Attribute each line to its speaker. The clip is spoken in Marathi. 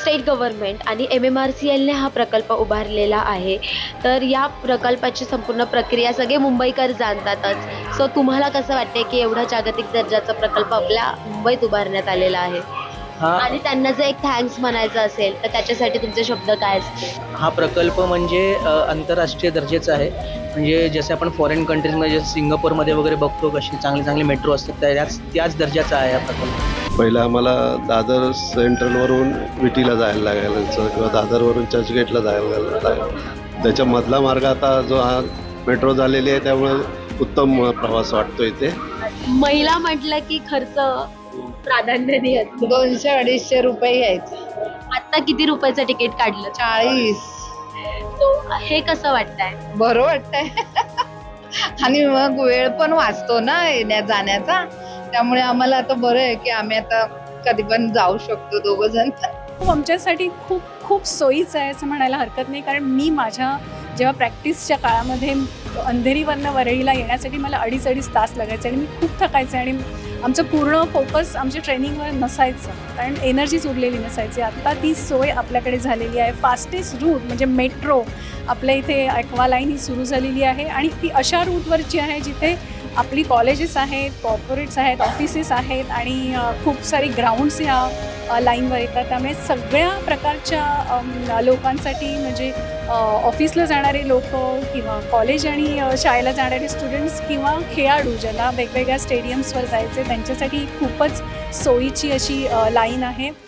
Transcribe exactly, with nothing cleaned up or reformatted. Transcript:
Speaker 1: स्टेट गव्हर्नमेंट आणि एम एम आर सी एलने हा प्रकल्प उभारलेला आहे. तर या प्रकल्पाची संपूर्ण प्रक्रिया सगळे मुंबईकर जाणतातच. सो तुम्हाला कसं वाटतंय की एवढा जागतिक दर्जाचा प्रकल्प आपल्या मुंबईत उभारण्यात आलेला आहे
Speaker 2: हा
Speaker 1: आणि त्यांना जर एक थँक्स म्हणायचं असेल तर त्याच्यासाठी तुमचे शब्द काय असतील?
Speaker 2: हा प्रकल्प म्हणजे अ, आंतरराष्ट्रीय दर्जाचा आहे. म्हणजे जसे आपण फॉरेन कंट्रीजमध्ये जसं सिंगापूरमध्ये वगैरे बघतो कशी चांगली चांगली मेट्रो असतात, त्याच त्याच दर्जाचा आहे हा प्रकल्प.
Speaker 3: पहिलं आम्हाला दादर सेंट्रलवरून विटीला जायला लागायचं किंवा दादरवरून चर्चगेटला जायला लागायचं. त्याच्यामधला मार्ग आता जो हा मेट्रो झालेली आहे त्यामुळे उत्तम प्रवास वाटतो इथे.
Speaker 1: महिला म्हटलं की खर्च प्राधान्याने असतो.
Speaker 4: दोनशे अडीचशे रुपये यायचे.
Speaker 1: आता किती रुपयाचं तिकीट काढलं?
Speaker 4: चाळीस.
Speaker 1: सो हे कसं वाटतंय?
Speaker 4: बरं वाटतंय. आणि मग वेळ पण वाचतो ना येण्या जाण्याचा, त्यामुळे आम्हाला आता बरं आहे की आम्ही आता कधी पण जाऊ शकतो दोघं जण.
Speaker 5: खूप आमच्यासाठी खूप खूप सोयीचं आहे असं म्हणायला हरकत नाही. कारण मी माझ्या जेव्हा प्रॅक्टिसच्या काळामध्ये अंधेरीवरनं वरळीला येण्यासाठी मला अडीच अडीच तास लागायचे आणि मी खूप थकायचे आणि आमचं पूर्ण फोकस आमच्या ट्रेनिंगवर नसायचं, कारण एनर्जीच उरलेली नसायची. आत्ता ती सोय आपल्याकडे झालेली आहे. फास्टेस्ट रूट म्हणजे मेट्रो आपल्या इथे ॲक्वा लाईन ही सुरू झालेली आहे आणि ती अशा रूटवरची आहे जिथे आपली कॉलेजेस आहेत, कॉर्पोरेट्स आहेत, ऑफिसेस आहेत आणि खूप सारी ग्राउंड्स ह्या लाईनवर येतात. त्यामुळे सगळ्या प्रकारच्या लोकांसाठी म्हणजे ऑफिसला जाणारे लोक किंवा कॉलेज आणि शाळेला जाणारे स्टुडंट्स किंवा खेळाडू ज्यांना वेगवेगळ्या स्टेडियम्सवर जायचे त्यांच्यासाठी खूपच सोयीची अशी लाईन आहे.